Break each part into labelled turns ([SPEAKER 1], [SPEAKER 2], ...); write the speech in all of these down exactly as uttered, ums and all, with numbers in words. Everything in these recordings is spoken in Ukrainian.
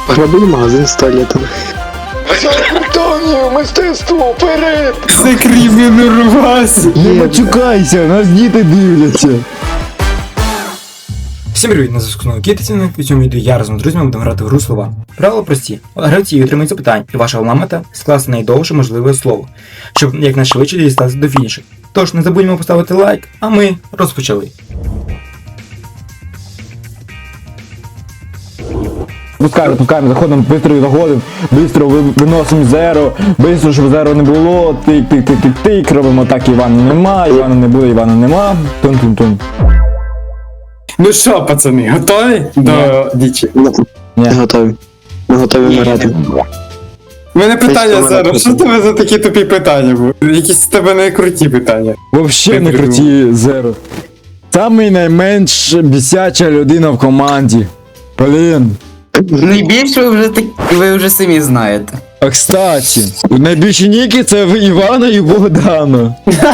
[SPEAKER 1] Грабили магазин з туалетами.
[SPEAKER 2] Данію, мистецтво, вперед!
[SPEAKER 3] Це кримінурвась!
[SPEAKER 4] Не мачукайся, нас діти дивляться.
[SPEAKER 5] Всім привіт, на зв'язку знову Кітицяни. У цьому відео я разом з друзями будемо грати в гру слова. Правила прості. Гравці отримують запитань, і ваша головна мета – скласти найдовше можливе слово, щоб якнайшвидше дістатися до фінішу. Тож не забудьмо поставити лайк, а ми розпочали.
[SPEAKER 4] Пускаємо, пускаємо, заходимо, бистро заходимо, бистро ви- виносимо зеро, бистро, щоб зеро не було, тик, тик, тик, тик, тик, робимо так, Івана нема, Івана не буде, Івана нема, тун-тун-тун.
[SPEAKER 3] Ну що, пацани, готові до дічі?
[SPEAKER 1] Не готові. Ми готові вмирати.
[SPEAKER 3] У мене питання
[SPEAKER 1] Десь
[SPEAKER 3] зараз, що
[SPEAKER 1] вона
[SPEAKER 3] тебе за такі тупі питання були? Якісь в тебе не круті питання.
[SPEAKER 4] Вообще не круті зеро. Самий найменш бісяча людина в команді. Блін.
[SPEAKER 6] Найбільше ви вже так, ви вже самі знаєте.
[SPEAKER 4] А кстати, найбільші ніки це в Івана і Богдана.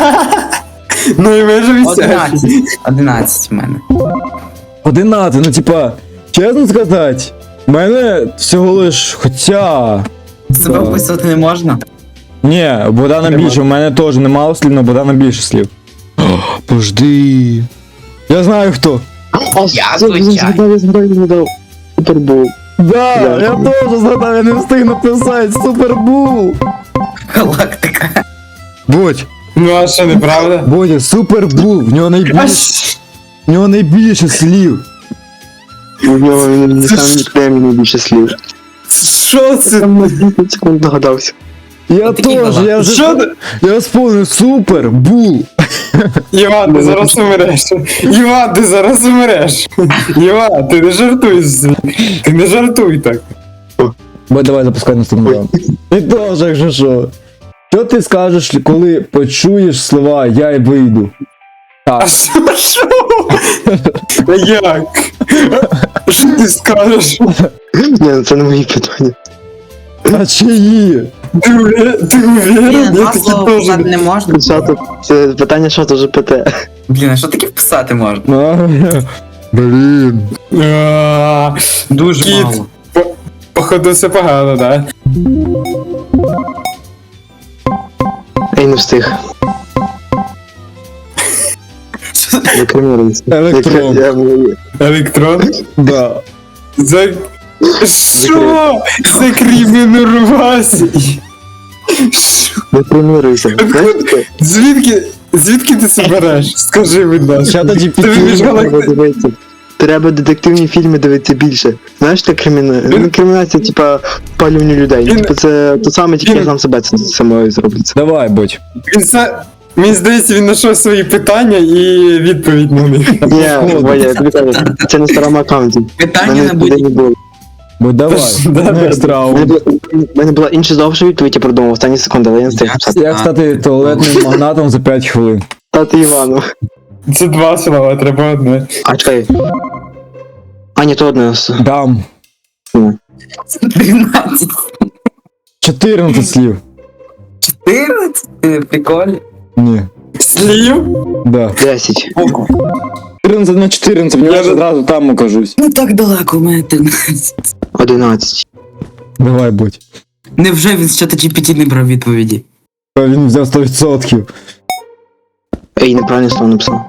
[SPEAKER 3] Ну і ми ж вісячі.
[SPEAKER 6] Одинадцять. Одинадцять в мене.
[SPEAKER 4] Одинадцять, ну типа, чесно сказати, в мене всього лиш, хоча...
[SPEAKER 6] Себе
[SPEAKER 4] Да.
[SPEAKER 6] вписувати не можна.
[SPEAKER 4] Ні, у Богдана більше, у мене теж немало слів, але Богдана більше слів. О, пожди. Я знаю хто.
[SPEAKER 6] Я
[SPEAKER 1] Це, він
[SPEAKER 6] звичайно.
[SPEAKER 1] згадав, я згадав, я згадав. Супербол.
[SPEAKER 4] Да,
[SPEAKER 1] Да.
[SPEAKER 4] я теж згадав, я не встиг написати, Супербул.
[SPEAKER 6] Галактика.
[SPEAKER 4] Будь,
[SPEAKER 3] Ну а що, неправда?
[SPEAKER 4] Бодя, Супербул, в нього
[SPEAKER 3] А
[SPEAKER 4] найбільше,
[SPEAKER 3] щ-
[SPEAKER 4] в нього найбільше слів.
[SPEAKER 1] У нього він не сам нікнейм найбільше слів.
[SPEAKER 3] що це?
[SPEAKER 1] Там на десять секунд догадався.
[SPEAKER 4] Я
[SPEAKER 6] Отакий
[SPEAKER 4] теж, я вже,
[SPEAKER 3] Що ти?
[SPEAKER 4] я сповнив Супербул.
[SPEAKER 3] Іван, ти зараз умреш. Іван, ти зараз умреш. Іван, ти не жартуй. з- Ти не жартуй так.
[SPEAKER 4] Бо давай запускай наступний раунд. Ти теж, якщо що. Що ти скажеш, коли почуєш слова «я й вийду»?
[SPEAKER 3] А
[SPEAKER 4] Так,
[SPEAKER 3] що? Що? А як? Що ти скажеш?
[SPEAKER 1] Ні, ну це не мої питання.
[SPEAKER 4] а чиї?
[SPEAKER 3] Ти уве- ти
[SPEAKER 6] Блін,
[SPEAKER 3] уверен? Я
[SPEAKER 6] два
[SPEAKER 3] таки
[SPEAKER 6] слова
[SPEAKER 3] теж.
[SPEAKER 6] вписати не можна.
[SPEAKER 1] Що тут? Це питання, що тут же ПТ?
[SPEAKER 6] Блін, а що таке вписати можна?
[SPEAKER 4] А, блін.
[SPEAKER 3] А,
[SPEAKER 6] Дуже
[SPEAKER 3] Кіт.
[SPEAKER 6] мало.
[SPEAKER 3] Походу все погано, да?
[SPEAKER 1] Ей, не встиг. Викриміруйся.
[SPEAKER 4] Електрон.
[SPEAKER 1] Я- я-
[SPEAKER 3] Електрон?
[SPEAKER 4] Да.
[SPEAKER 3] За... Що? За кримінурвасі?
[SPEAKER 1] Викриміруйся. Знаєш таке?
[SPEAKER 3] Звідки, звідки ти це береш? Скажи, будь ласка.
[SPEAKER 4] Чата
[SPEAKER 3] Ти вмієш
[SPEAKER 4] джі пі ті.
[SPEAKER 3] галак-
[SPEAKER 1] Треба дивитися. Треба детективні фільми дивитися більше. Знаєш, так криміна... Ну, кримінація, типа, спалювання людей.
[SPEAKER 3] Він-
[SPEAKER 1] Типа, це то саме, тільки
[SPEAKER 3] він-
[SPEAKER 1] я сам себе це самою зробиться.
[SPEAKER 4] Давай, будь.
[SPEAKER 3] Він це... Мені здається, він знайшов свої питання і відповідь на них.
[SPEAKER 1] Ні, Ваня, я тобі кажу, це на старому аккаунті.
[SPEAKER 6] Питання
[SPEAKER 1] Мене
[SPEAKER 6] на
[SPEAKER 1] туди
[SPEAKER 6] будь-які.
[SPEAKER 1] не було.
[SPEAKER 4] Будь давай.
[SPEAKER 3] Да, да,
[SPEAKER 4] Next
[SPEAKER 3] да.
[SPEAKER 4] round.
[SPEAKER 1] У мене була- У мене була інша довша відповідь, я продумав останні секунди, але я не встиг написати.
[SPEAKER 4] Як стати туалетним магнатом за п'ять хвилин?
[SPEAKER 1] Тати Івану.
[SPEAKER 3] Це два слова, треба одне.
[SPEAKER 1] А чекай. А, ні, то одне. с-
[SPEAKER 4] Дам.
[SPEAKER 6] тринадцять.
[SPEAKER 4] чотирнадцять слів.
[SPEAKER 6] чотирнадцять? Ти прикольно.
[SPEAKER 4] Ні.
[SPEAKER 3] Слів?
[SPEAKER 4] Да.
[SPEAKER 1] Десять.
[SPEAKER 4] чотирнадцять на чотирнадцять, в нього
[SPEAKER 3] Я
[SPEAKER 4] ж
[SPEAKER 3] за-
[SPEAKER 4] одразу там окажусь.
[SPEAKER 6] Ну так далеко, у мене тринадцять.
[SPEAKER 1] Одинадцять.
[SPEAKER 4] Давай, будь.
[SPEAKER 6] Невже він з чата джі пі ті не брав відповіді?
[SPEAKER 4] А він взяв сто відсотків.
[SPEAKER 1] Ей, неправильно слово написав.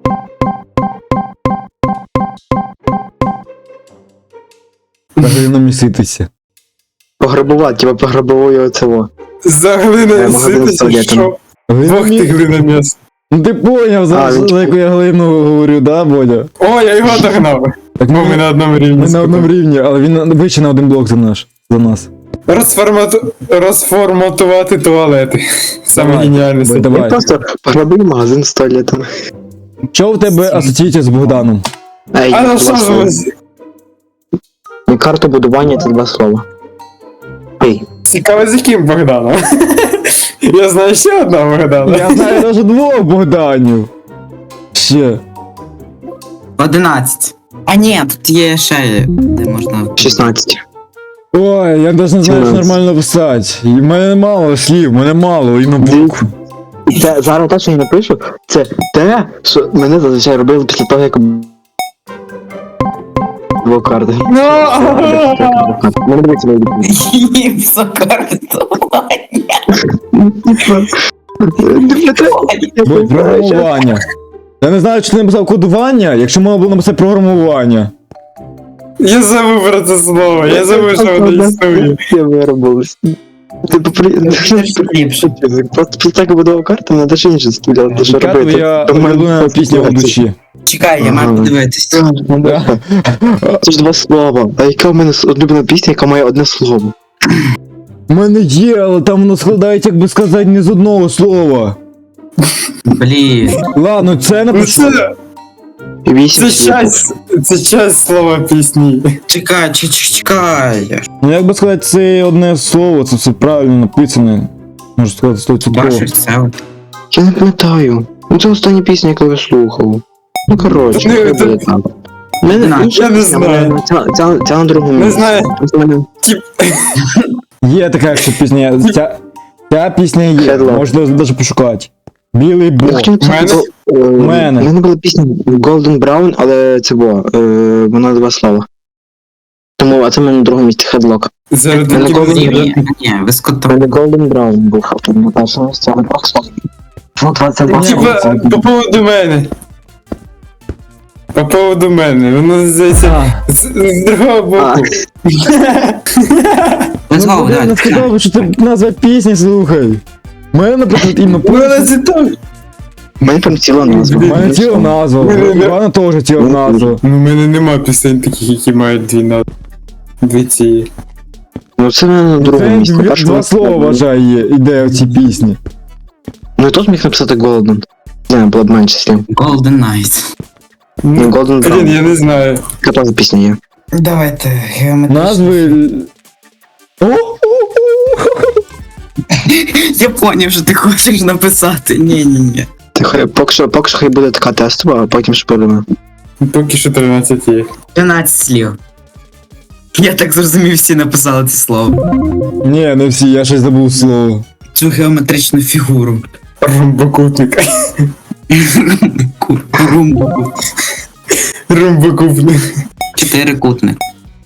[SPEAKER 4] Поглина міситися.
[SPEAKER 1] Пограбувати, типа пограбовує оцево.
[SPEAKER 3] За
[SPEAKER 1] Е,
[SPEAKER 3] глина
[SPEAKER 1] магазин з
[SPEAKER 3] ситися,
[SPEAKER 1] туалетом.
[SPEAKER 3] що?
[SPEAKER 4] Глина
[SPEAKER 3] Бог ти
[SPEAKER 4] мі-
[SPEAKER 3] глина м'ясо.
[SPEAKER 4] Ну ти поняв, за,
[SPEAKER 1] А, він
[SPEAKER 4] за яку я глину говорю, да, Бодя?
[SPEAKER 3] О, я його догнав.
[SPEAKER 4] Так
[SPEAKER 3] Бо ми на одному рівні.
[SPEAKER 4] Ми на одному рівні, але він вище на один блок за наш. За нас.
[SPEAKER 3] Розформату... Розформатувати туалети. Саме
[SPEAKER 4] Давай,
[SPEAKER 3] геніальне.
[SPEAKER 4] будь,
[SPEAKER 3] це.
[SPEAKER 1] Я
[SPEAKER 4] давай.
[SPEAKER 1] просто пограбив магазин з туалетами.
[SPEAKER 4] Що в тебе асоціюється з Богданом?
[SPEAKER 1] Ей,
[SPEAKER 3] А
[SPEAKER 1] два
[SPEAKER 3] на що ж
[SPEAKER 1] слова.
[SPEAKER 3] ви... з-
[SPEAKER 1] І карту будування це два слова. Ей,
[SPEAKER 3] Цікаво, з яким Богданом? Я знаю ще одного Богдана.
[SPEAKER 4] Я знаю навіть двох Богданів. Ще.
[SPEAKER 6] одинадцять. А ні, тут є ще, де можна...
[SPEAKER 1] шістнадцять.
[SPEAKER 4] Ой, я навіть не знаю, як
[SPEAKER 1] сімнадцять.
[SPEAKER 4] нормально писати. І в мене мало слів, в мене мало, і на букву.
[SPEAKER 1] І те, зараз те, що я напишу, це те, що мене зазвичай робили після того, як Дві карти.
[SPEAKER 3] Ну!
[SPEAKER 1] Ну, дивіться, мої
[SPEAKER 6] Гіпсокарту.
[SPEAKER 4] Бо програмування. Я не знаю, чи ти написав кодування, якщо можна було написати програмування.
[SPEAKER 3] Я забув про це слово, я забув, що воно існує.
[SPEAKER 1] Я виробився. Ти попри...
[SPEAKER 6] Ліпше.
[SPEAKER 1] Просто після так будував карту, треба ж інше стріляти, що
[SPEAKER 4] Яка
[SPEAKER 1] робити.
[SPEAKER 4] твоя улюблена пісня у душі?
[SPEAKER 6] Чекай, я маю подивитись.
[SPEAKER 1] Це ж два слова. А яка в мене улюблена пісня, яка має одне слово?
[SPEAKER 4] У мене є, але там воно складається, як би сказати, не з одного слова.
[SPEAKER 6] Блін.
[SPEAKER 4] Ладно, це
[SPEAKER 3] Ну
[SPEAKER 4] напишу.
[SPEAKER 3] це,
[SPEAKER 1] Вісім
[SPEAKER 3] це
[SPEAKER 1] слів.
[SPEAKER 3] часть, це часть слова пісні.
[SPEAKER 6] Чекай, чекай, чекай.
[SPEAKER 4] Ну як би сказати, це одне слово, це все правильно написане. Можу сказати, сто відсотків.
[SPEAKER 6] Бачиш це? от.
[SPEAKER 1] Я не пам'ятаю. Ну це остання пісня, яку я слухав. Ну коротше,
[SPEAKER 3] Ну,
[SPEAKER 1] хай
[SPEAKER 3] це-
[SPEAKER 1] буде так. У мене
[SPEAKER 6] На,
[SPEAKER 1] інша
[SPEAKER 3] я не
[SPEAKER 1] пісня,
[SPEAKER 3] знаю.
[SPEAKER 1] вона- Ця, ця, ця на другому
[SPEAKER 3] Не
[SPEAKER 1] місці.
[SPEAKER 3] знаю.
[SPEAKER 1] Просто в мене-
[SPEAKER 4] Є така ще пісня. Ця, ця пісня є,
[SPEAKER 1] Headlock.
[SPEAKER 4] можна навіть пошукати. Білий
[SPEAKER 1] Я
[SPEAKER 4] бог.
[SPEAKER 1] хотів написати,
[SPEAKER 3] Мене-
[SPEAKER 1] гол- е,
[SPEAKER 4] Мене.
[SPEAKER 1] в мене була пісня Golden Brown, але це було, е, вона два слова. Тому, а це в мене на другому місці Headlock.
[SPEAKER 3] Зараз
[SPEAKER 1] Мене
[SPEAKER 3] такі
[SPEAKER 1] голос-
[SPEAKER 6] Ні,
[SPEAKER 3] буде.
[SPEAKER 6] ні, ні, ви
[SPEAKER 1] У
[SPEAKER 6] скотом.
[SPEAKER 1] мене Golden Brown був на першому місці, але два слова. Ну, двадцять два
[SPEAKER 3] Типа,
[SPEAKER 1] слова.
[SPEAKER 3] по поводу мене. По поводу мене. Воно здається
[SPEAKER 4] А,
[SPEAKER 3] з з другого
[SPEAKER 1] А,
[SPEAKER 3] боку.
[SPEAKER 6] Ви знову,
[SPEAKER 4] ну, я не
[SPEAKER 6] давайте.
[SPEAKER 4] сказав, що ти назва пісні слухай. У мене, наприклад, іменно
[SPEAKER 3] Ну, вона це так.
[SPEAKER 1] У мене прям ціла назва.
[SPEAKER 4] У мене ціла назва, у Івана теж ціла назва.
[SPEAKER 3] Ну, в мене нема пісень таких, які мають дві назви. Дві ці.
[SPEAKER 1] Ну це в мене на другому
[SPEAKER 4] Це
[SPEAKER 1] місці.
[SPEAKER 4] дві-
[SPEAKER 1] Першому
[SPEAKER 4] два
[SPEAKER 1] місці.
[SPEAKER 4] слова вважає, є, іде в цій пісні.
[SPEAKER 1] Ну і тут міг написати Golden. Не знаю, було б менше слів.
[SPEAKER 6] Golden Knight.
[SPEAKER 1] Ну, Golden
[SPEAKER 3] Блін, я
[SPEAKER 1] Brown.
[SPEAKER 3] не знаю.
[SPEAKER 1] Яка теж пісня є.
[SPEAKER 6] Давайте, геометрично.
[SPEAKER 4] Назви. О,
[SPEAKER 6] Я поняв, що ти хочеш написати. Ні, ні, ні.
[SPEAKER 1] Ти хай, поки що, поки що хай буде така тестова, а потім шпилимо.
[SPEAKER 3] Поки що тринадцять є.
[SPEAKER 6] тринадцять слів. Я так зрозумів, всі написали це слово.
[SPEAKER 4] Ні, не всі, я щось забув слово.
[SPEAKER 6] Цю геометричну фігуру.
[SPEAKER 3] Ромбокутник.
[SPEAKER 6] Ку- Румбу.
[SPEAKER 3] Ромбокутник.
[SPEAKER 6] Чотирикутник.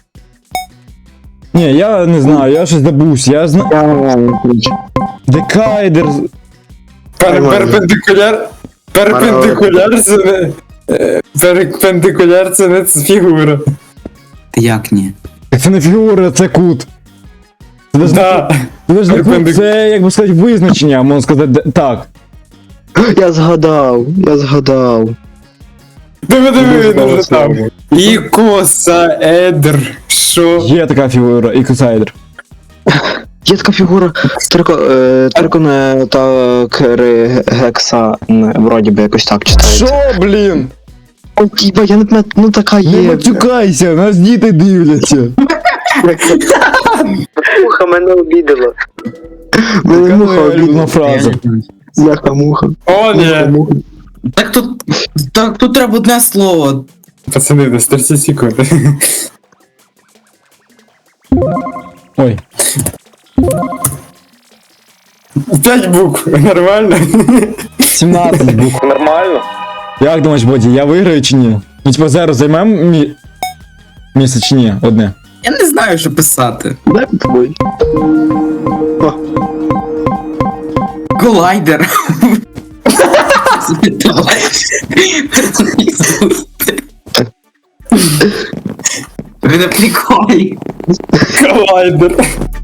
[SPEAKER 4] Ні, я не знаю, я щось забувся, я знаю.
[SPEAKER 1] Я ключ.
[SPEAKER 4] Декайдер.
[SPEAKER 3] Пер-
[SPEAKER 1] Нормально.
[SPEAKER 3] Перпендикуляр. Перпендикуляр це не. е, Перпендикуляр це не фігура.
[SPEAKER 6] Як ні?
[SPEAKER 4] Це не фігура, це кут. Це ж не,
[SPEAKER 3] Да.
[SPEAKER 4] це ж не кут,
[SPEAKER 3] Перпендик-
[SPEAKER 4] це, як би сказати, визначення, можна сказати, де- так.
[SPEAKER 1] Я згадав, я згадав.
[SPEAKER 3] Диви, диви, він уже
[SPEAKER 1] Слово.
[SPEAKER 3] там. Ікосаедр. Що?
[SPEAKER 4] Є така фігура, ікосайдер.
[SPEAKER 1] Є така фігура трико, е, триконе та кери гекса, не, вроді би якось так читається.
[SPEAKER 4] Що, блін?
[SPEAKER 1] О, тіба, я не пам'ятаю, ну така
[SPEAKER 4] Не
[SPEAKER 1] є.
[SPEAKER 4] матюкайся, нас діти дивляться.
[SPEAKER 1] Муха мене обідала. Мене
[SPEAKER 4] Яка
[SPEAKER 1] муха
[SPEAKER 4] моя улюблена
[SPEAKER 1] обідала.
[SPEAKER 4] фраза?
[SPEAKER 1] Бляха муха.
[SPEAKER 3] О, ні.
[SPEAKER 6] Так тут. Так тут треба одне слово.
[SPEAKER 3] Пацани, десь тридцять секунд.
[SPEAKER 4] Ой.
[SPEAKER 3] П'ять букв. Нормально?
[SPEAKER 4] сімнадцять букв.
[SPEAKER 2] Нормально?
[SPEAKER 4] Як думаєш, Боді, я виграю чи ні? Ну, типа, зараз займемо мі... місце чи ні? Одне.
[SPEAKER 6] Я не знаю, що писати.
[SPEAKER 1] Дай попробуй.
[SPEAKER 6] Колайдер. Ви на приколі.
[SPEAKER 3] Колайдер.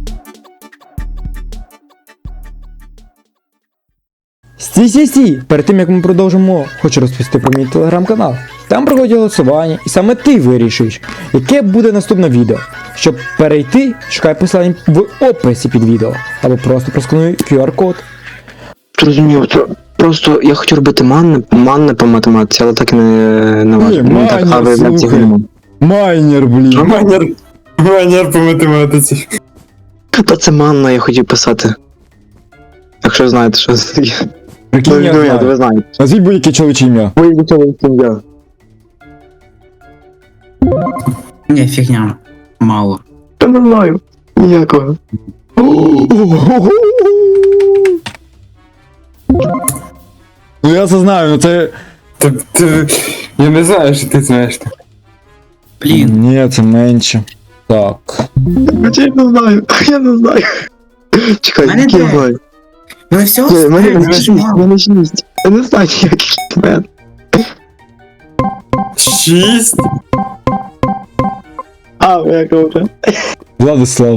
[SPEAKER 4] Стій, стій, стій! Перед тим як ми продовжимо, хочу розповісти про мій телеграм-канал. Там проходять голосування, і саме ти вирішуєш, яке буде наступне відео. Щоб перейти, шукай посилання в описі під відео, або просто проскануй кю ар-код.
[SPEAKER 1] Зрозумів, це просто я хотів робити манне, манне по математиці, але так і не, не важко.
[SPEAKER 4] Ні,
[SPEAKER 1] Ну, так,
[SPEAKER 4] манне,
[SPEAKER 1] а ви знаєте,
[SPEAKER 4] слухай.
[SPEAKER 1] нема.
[SPEAKER 4] Майнер, блін.
[SPEAKER 3] Манер. Манер по математиці.
[SPEAKER 1] Та це манна, я хотів писати. Якщо знаєте, що це таке.
[SPEAKER 4] Прикинь,
[SPEAKER 1] Ну,
[SPEAKER 4] я
[SPEAKER 1] ну, я,
[SPEAKER 4] знаю.
[SPEAKER 1] ви знаєте.
[SPEAKER 4] Назвіть будь-яке чоловіче ім'я.
[SPEAKER 1] Ви від цього сім'я.
[SPEAKER 6] Ні, фігня. Мало.
[SPEAKER 1] Та не знаю. Ніякого.
[SPEAKER 4] Ну я це знаю, ну це.
[SPEAKER 3] Ти, ти, я не знаю, що ти знаєш.
[SPEAKER 6] Блін.
[SPEAKER 4] Ні, це менше. Так.
[SPEAKER 1] Я не знаю, я не знаю. Чекай,
[SPEAKER 6] Мене
[SPEAKER 1] який я
[SPEAKER 6] де?
[SPEAKER 1] знаю.
[SPEAKER 6] Мене всього
[SPEAKER 1] Ні, в мене
[SPEAKER 6] стрім,
[SPEAKER 1] в мене шість, в мене шість. Я не знаю, який в мене.
[SPEAKER 3] Шість?
[SPEAKER 1] А, я говорю.
[SPEAKER 3] Богдан!
[SPEAKER 1] Я
[SPEAKER 3] В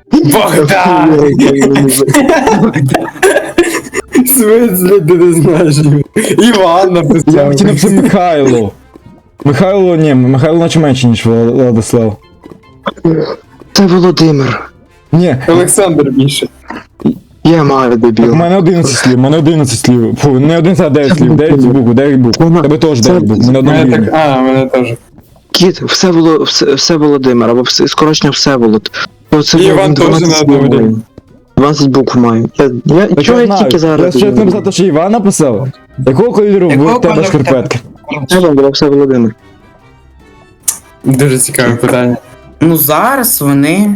[SPEAKER 3] смысле, ти не знаєш його? Іван
[SPEAKER 4] Я
[SPEAKER 3] написав.
[SPEAKER 4] хотів написати Михайло. Михайло, ні, Михайло наче менше, ніж Влад- Владислав.
[SPEAKER 1] Це Володимир.
[SPEAKER 4] Ні,
[SPEAKER 3] Олександр більше.
[SPEAKER 1] Я маю
[SPEAKER 4] так,
[SPEAKER 1] дебіл.
[SPEAKER 4] у мене одинадцять слів, у мене одинадцять слів. Фу, не одинадцять, а дев'ять слів, дев'ять букв, дев'ять букв. У тебе теж дев'ять букв, ми на одному
[SPEAKER 3] Мене
[SPEAKER 4] рівні.
[SPEAKER 3] так, а, мене теж.
[SPEAKER 1] Кіт, все було, все, все Володимир, або все, скорочення Всеволод. Ну, це
[SPEAKER 3] І
[SPEAKER 1] було
[SPEAKER 3] Іван теж
[SPEAKER 1] дванадцять
[SPEAKER 3] на одному
[SPEAKER 1] слів.
[SPEAKER 3] рівні.
[SPEAKER 1] дванадцять букв маю. Я, я,
[SPEAKER 4] Я
[SPEAKER 1] чого я
[SPEAKER 4] знаю,
[SPEAKER 1] тільки
[SPEAKER 4] я
[SPEAKER 1] зараз?
[SPEAKER 4] ще написав, що Іван написав. Якого кольору
[SPEAKER 6] Якого
[SPEAKER 4] в тебе
[SPEAKER 6] кольору в тебе?
[SPEAKER 4] шкарпетки?
[SPEAKER 1] Це було все Володимир.
[SPEAKER 3] Дуже цікаве питання.
[SPEAKER 6] Ну зараз вони.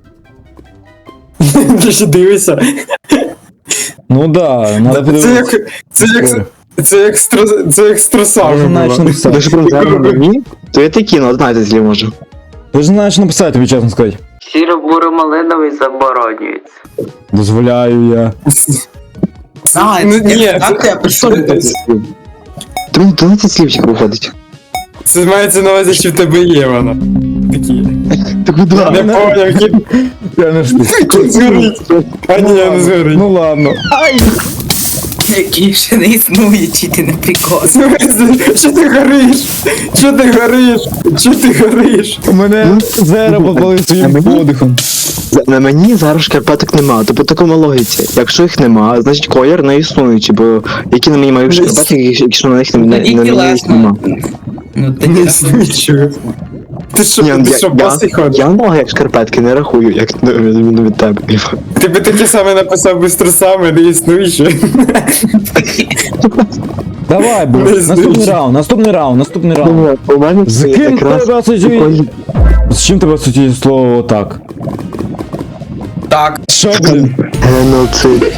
[SPEAKER 3] Ти ще дивишся?
[SPEAKER 4] Ну да, надо
[SPEAKER 3] Це
[SPEAKER 4] подивитися.
[SPEAKER 3] як, це як, це як, стро, це як з
[SPEAKER 4] Ти ж
[SPEAKER 3] трусами
[SPEAKER 4] знаєш
[SPEAKER 3] було.
[SPEAKER 4] написати.
[SPEAKER 1] Ви ж про тебе мені? То я такі, ну, знаєте, слів може.
[SPEAKER 4] Ти ж знаєш написати, тобі чесно сказати.
[SPEAKER 7] Сіро-буро-малиновий заборонюється.
[SPEAKER 4] Дозволяю я.
[SPEAKER 6] А,
[SPEAKER 3] Ну,
[SPEAKER 6] це-
[SPEAKER 3] ні,
[SPEAKER 6] так
[SPEAKER 3] це-
[SPEAKER 6] я пишу.
[SPEAKER 1] Тому дванадцять слів тільки виходить.
[SPEAKER 3] Це мається на увазі, що в тебе є вона. Такі.
[SPEAKER 1] Так куди?
[SPEAKER 3] Не поняв, кіт.
[SPEAKER 4] Я не штук.
[SPEAKER 3] Кіт згорить. А ні, не згорить.
[SPEAKER 4] Ну ладно.
[SPEAKER 6] Які ще не існує, чи ти не прикол.
[SPEAKER 3] В смысле? Що ти гориш? Що ти гориш? Що ти гориш?
[SPEAKER 4] Мене зера попали своїм
[SPEAKER 1] мені?
[SPEAKER 4] подихом.
[SPEAKER 1] На мені зараз шкарпеток нема, то по такому логіці. Якщо їх нема, значить колір не існуючий, бо які на мені мають шкарпетки, якщо на них не, не,
[SPEAKER 6] Тоді
[SPEAKER 1] на мені їх
[SPEAKER 6] тілесно.
[SPEAKER 1] нема.
[SPEAKER 6] Ну ти
[SPEAKER 3] Не
[SPEAKER 6] не
[SPEAKER 3] існуючого. Ти що,
[SPEAKER 1] Ні,
[SPEAKER 3] ти
[SPEAKER 1] я,
[SPEAKER 3] що,
[SPEAKER 1] я,
[SPEAKER 3] босий ходиш?
[SPEAKER 1] я ноги як шкарпетки не рахую, як на відміну від тебе.
[SPEAKER 3] Ти би таке саме написав би з трусами, не існуюче.
[SPEAKER 4] Давай, бо.
[SPEAKER 3] Не
[SPEAKER 4] Наступний
[SPEAKER 3] знаю.
[SPEAKER 4] раунд, наступний раунд, наступний раунд.
[SPEAKER 1] У мене
[SPEAKER 4] З
[SPEAKER 1] це
[SPEAKER 4] ким
[SPEAKER 1] якраз
[SPEAKER 4] тебе асоціює?
[SPEAKER 1] колір.
[SPEAKER 4] З чим тебе асоціює слово так?
[SPEAKER 6] так.
[SPEAKER 4] Що, блін?
[SPEAKER 1] Геноцид.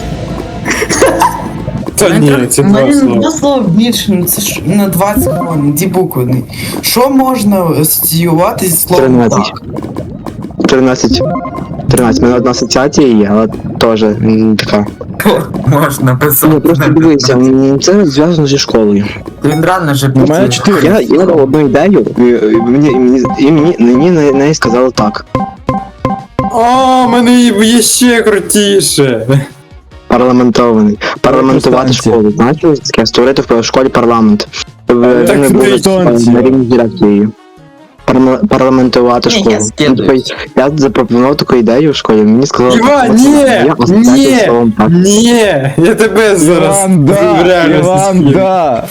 [SPEAKER 3] Та ні, це два
[SPEAKER 6] Блін,
[SPEAKER 3] слова.
[SPEAKER 6] два слова більше, ну це ж на двадцять хвилин, ді букви. Що можна асоціювати зі словом
[SPEAKER 1] тринадцять.
[SPEAKER 6] так?
[SPEAKER 1] тринадцять. тринадцять. У мене одна асоціація є, але теж м, така.
[SPEAKER 6] Можна
[SPEAKER 1] Ну, просто дивися, м, це зв'язано зі школою.
[SPEAKER 6] Він реально вже
[SPEAKER 4] У мене чотири.
[SPEAKER 1] Я, я дав одну ідею, і, і мені, і мені, і мені, мені на неї сказали так.
[SPEAKER 3] О, мене є ще крутіше.
[SPEAKER 1] Парламентований. Парламентувати
[SPEAKER 4] Електростанція.
[SPEAKER 1] школу. Знаєте, що це таке? Створити в школі парламент. В-
[SPEAKER 3] Так
[SPEAKER 1] Вони
[SPEAKER 3] ти
[SPEAKER 1] були
[SPEAKER 4] станція.
[SPEAKER 1] на рівні з дирекцією. Парла- Парламентувати
[SPEAKER 6] Ні, я
[SPEAKER 1] школу.
[SPEAKER 6] скидую.
[SPEAKER 1] Ну, тобто, Я запропонував таку ідею в школі, мені сказали,
[SPEAKER 3] Іван,
[SPEAKER 1] «От,
[SPEAKER 3] ні!
[SPEAKER 1] я асоціацію з
[SPEAKER 3] Ні!
[SPEAKER 1] словом так».
[SPEAKER 3] Ні! Я тебе зараз
[SPEAKER 4] Іван, да!
[SPEAKER 3] реально
[SPEAKER 4] Іван,
[SPEAKER 3] з'їм.
[SPEAKER 4] да!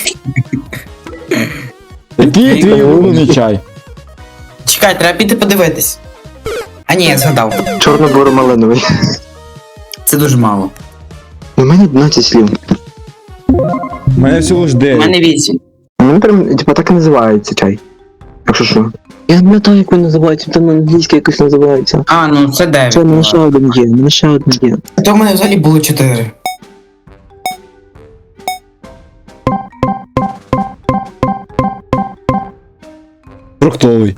[SPEAKER 4] Який твій улюблений чай?
[SPEAKER 6] Чекай, треба піти подивитись. А ні, я згадав.
[SPEAKER 1] Чорно-буро-малиновий.
[SPEAKER 6] Це дуже мало.
[SPEAKER 1] У мене одинадцять слів.
[SPEAKER 4] У мене всього ж
[SPEAKER 6] У
[SPEAKER 4] дев'ять.
[SPEAKER 6] мене вісім.
[SPEAKER 1] У мене прям, типа, так і називається чай. Якщо що. Я не пам'ятаю, як він називається, там на англійській якось називається.
[SPEAKER 6] А, ну це дев'ять.
[SPEAKER 1] Це в мене ще один є, в мене ще один є.
[SPEAKER 6] То в мене взагалі було чотири.
[SPEAKER 4] Фруктовий.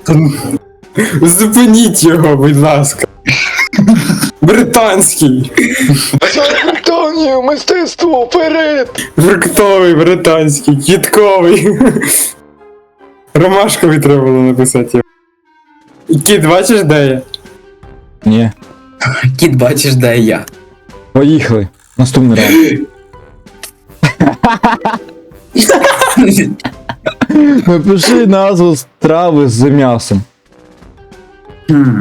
[SPEAKER 3] Зупиніть його, будь ласка. Британський.
[SPEAKER 2] Антонію, мистецтво, вперед!
[SPEAKER 3] Фруктовий, британський, кітковий. Ромашковий треба було написати. Кіт, бачиш, де я?
[SPEAKER 4] Ні.
[SPEAKER 6] Кіт, бачиш, де я.
[SPEAKER 4] Поїхали. Наступний раунд. Напиши назву страви з м'ясом.
[SPEAKER 6] Хм.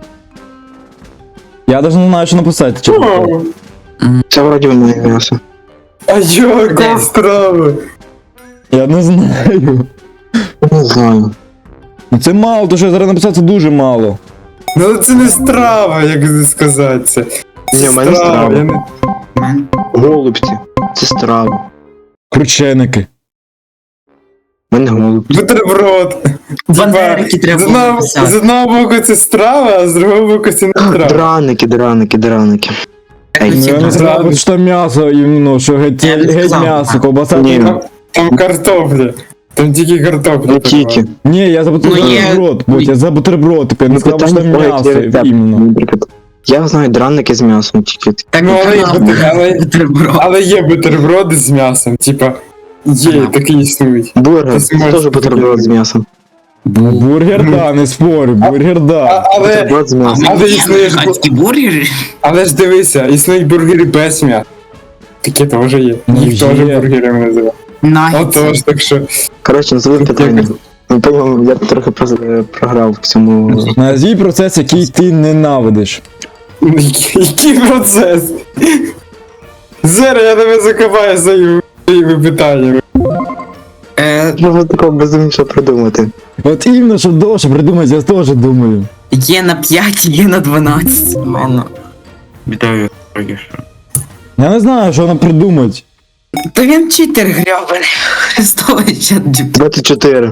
[SPEAKER 4] Я навіть не знаю, що написати. чесно.
[SPEAKER 3] О,
[SPEAKER 1] Це вроді в мене м'ясо.
[SPEAKER 3] а яка страва?
[SPEAKER 4] Я не знаю.
[SPEAKER 1] Не знаю.
[SPEAKER 4] Ну це мало, то що я зараз написав, це дуже мало.
[SPEAKER 3] Ну це не страва, як сказати це.
[SPEAKER 1] Ні, в мене страва.
[SPEAKER 3] я не-
[SPEAKER 1] Голубці. Це страва.
[SPEAKER 4] Крученики.
[SPEAKER 1] В мене голубці.
[SPEAKER 3] Бутерброд.
[SPEAKER 6] Бандерики треба
[SPEAKER 3] з
[SPEAKER 6] було
[SPEAKER 3] одного,
[SPEAKER 6] написати.
[SPEAKER 3] з одного боку це страва, а з другого боку це не страва.
[SPEAKER 1] Драники, драники, драники.
[SPEAKER 6] Як
[SPEAKER 4] Ну,
[SPEAKER 6] всі
[SPEAKER 4] я не
[SPEAKER 6] знають.
[SPEAKER 4] сказав, що там м'ясо, і, ну, що геть,
[SPEAKER 6] Я не
[SPEAKER 4] геть
[SPEAKER 6] сказав.
[SPEAKER 4] м'ясо, ковбаса.
[SPEAKER 1] Ні.
[SPEAKER 3] Там, там картопля. Там тільки картопля.
[SPEAKER 1] Не тільки.
[SPEAKER 4] Ні, я за
[SPEAKER 6] Ну, є-
[SPEAKER 4] бутерброд, будь, я за бутерброд, типу, я не
[SPEAKER 1] Ну,
[SPEAKER 4] сказав, що там
[SPEAKER 1] питання
[SPEAKER 4] м'ясо,
[SPEAKER 1] стоїть, рецепт.
[SPEAKER 4] іменно.
[SPEAKER 1] Наприклад, я знаю драники з м'ясом тільки.
[SPEAKER 6] Так,
[SPEAKER 3] Ну, але, є
[SPEAKER 6] канал,
[SPEAKER 3] бутер- але,
[SPEAKER 6] бутерброд.
[SPEAKER 3] але є бутерброди з м'ясом, типа, є, такі існують.
[SPEAKER 1] Бургер,
[SPEAKER 3] Ти
[SPEAKER 1] це
[SPEAKER 3] зможеш
[SPEAKER 1] теж бутерброд з м'ясом.
[SPEAKER 4] Ну, бургер, да, не спорю, бургер,
[SPEAKER 3] А,
[SPEAKER 4] да.
[SPEAKER 3] але,
[SPEAKER 1] Бутерброд з м'ясом.
[SPEAKER 3] але існує ж бу-
[SPEAKER 6] Американські бургери?
[SPEAKER 3] але ж дивися, існують бургери без м'яса. Такі теж є.
[SPEAKER 4] Ну,
[SPEAKER 3] Їх теж
[SPEAKER 4] є.
[SPEAKER 3] бургерами називають.
[SPEAKER 6] Нагетси.
[SPEAKER 3] Отож, так що.
[SPEAKER 1] Коротше, назови питання. Ну, по-моєму, я трохи прос- програв в цьому.
[SPEAKER 4] Назвій процес, який ти ненавидиш.
[SPEAKER 3] Який який процес? Зараз я тебе закопаю своїми своїми питаннями.
[SPEAKER 6] Е,
[SPEAKER 1] Можна такого безумнішого придумати.
[SPEAKER 4] От іменно, щоб довше придумати, я теж думаю.
[SPEAKER 6] Є на п'ять, є на дванадцять. Ладно. Вітаю,
[SPEAKER 4] Я не знаю, що вона придумать.
[SPEAKER 6] То він читер гребаний. Христовий чат джі пі.
[SPEAKER 1] двадцять чотири.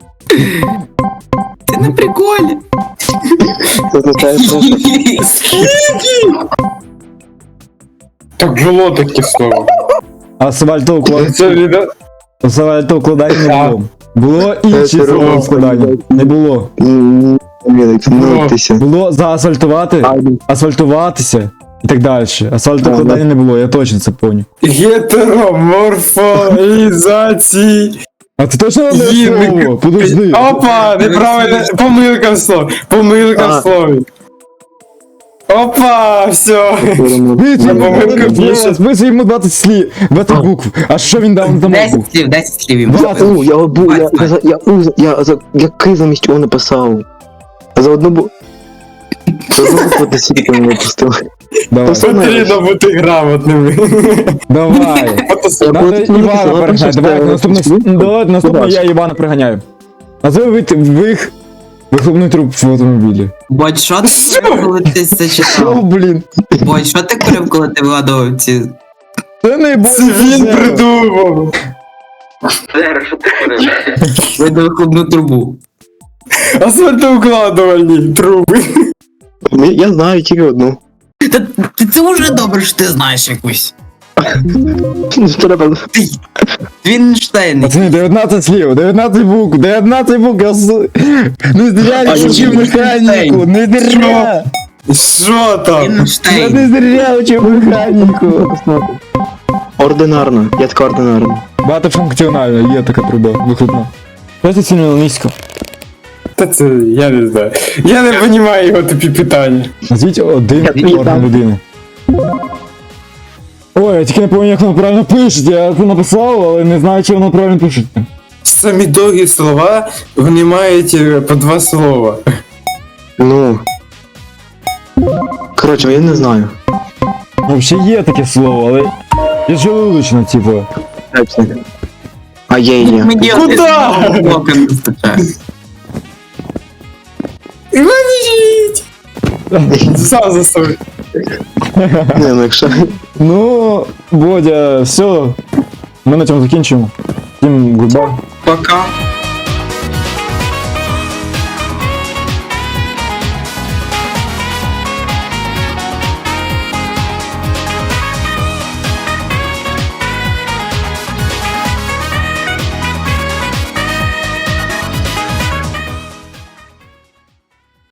[SPEAKER 6] Ти на приколі.
[SPEAKER 1] Це означає, що
[SPEAKER 3] Так було таке слово.
[SPEAKER 4] Асфальтове
[SPEAKER 3] Це відео.
[SPEAKER 4] укладання не було. Було інше
[SPEAKER 1] Це
[SPEAKER 4] слово
[SPEAKER 1] робимо.
[SPEAKER 4] складання. Не було.
[SPEAKER 1] М, Вілик, ну тися.
[SPEAKER 4] Було заасфальтувати, асфальтуватися і так далі. Асфальтокладання не було, я точно це пам'ятаю.
[SPEAKER 3] Гетероморфоізації.
[SPEAKER 4] А ти точно не
[SPEAKER 3] Їм-
[SPEAKER 4] слово? Подожди.
[SPEAKER 3] Опа, неправильно, помилка в слові. Помилка
[SPEAKER 1] А.
[SPEAKER 3] в слові. Опа, все.
[SPEAKER 4] Списуй йому
[SPEAKER 3] помилка
[SPEAKER 4] двадцять
[SPEAKER 3] більше.
[SPEAKER 4] слів, списуй йому двадцять слів, двадцять букв. А що він дав там
[SPEAKER 6] десять
[SPEAKER 4] букв?
[SPEAKER 6] слів, десять слів йому.
[SPEAKER 4] Двадцять.
[SPEAKER 1] У, я бу, я, я,
[SPEAKER 6] Бать,
[SPEAKER 1] за- я, у, я, за, який замість чого написав? За одну бу... За одну букву ти сіки не випустив.
[SPEAKER 4] Давай,
[SPEAKER 3] Потрібно бути грамотними.
[SPEAKER 4] давай. Надо Івана переганяти. Давай, наступне, давай, наступне я Івана приганяю. Назви вид- вих... Вихлопний труп в автомобілі.
[SPEAKER 6] Бодь, що ти курив, коли ти це
[SPEAKER 4] Що,
[SPEAKER 6] читав?
[SPEAKER 4] блін?
[SPEAKER 6] Бодь, що ти курив, коли ти вигадував ці...
[SPEAKER 4] Це не
[SPEAKER 3] Це він придумав.
[SPEAKER 7] Зараз, що ти курив?
[SPEAKER 6] Видав вихлопну трубу.
[SPEAKER 3] Асфальтоукладувальні труби.
[SPEAKER 1] Ми- Я знаю тільки одну.
[SPEAKER 6] Та та це вже добре, що ти знаєш якусь.
[SPEAKER 1] Ну, Треба...
[SPEAKER 6] Вінштейн.
[SPEAKER 4] Пацани, дев'ятнадцять слів, дев'ятнадцять букв, дев'ятнадцять букв, я с- не зря я вчив механіку, не зря,
[SPEAKER 3] Що там?
[SPEAKER 4] я
[SPEAKER 6] Вінштейн.
[SPEAKER 4] не зря вчив механіку.
[SPEAKER 1] Ординарно, я така ординарна.
[SPEAKER 4] Багатофункціональна, є така труба, вихлопна. Що це сильно низько?
[SPEAKER 3] Та це я не знаю. Я не розумію його тупі питання.
[SPEAKER 4] Назвіть один орган людини. Ой, я тільки не пам'ятаю, як воно правильно пишеться, я це написав, але не знаю, чи воно правильно пишеться.
[SPEAKER 3] Самі довгі слова, вони мають е, по два слова.
[SPEAKER 1] Ну. Коротше, я не знаю.
[SPEAKER 4] Взагалі є таке слово, але я желудочно, типу.
[SPEAKER 1] А є, є.
[SPEAKER 3] Куда?
[SPEAKER 6] Блока не вистачає.
[SPEAKER 3] Іванічіть! Сам застой.
[SPEAKER 1] Не, ну якщо...
[SPEAKER 4] Ну, Бодя, все. Ми на цьому закінчимо. Всім гудбай.
[SPEAKER 6] Пока.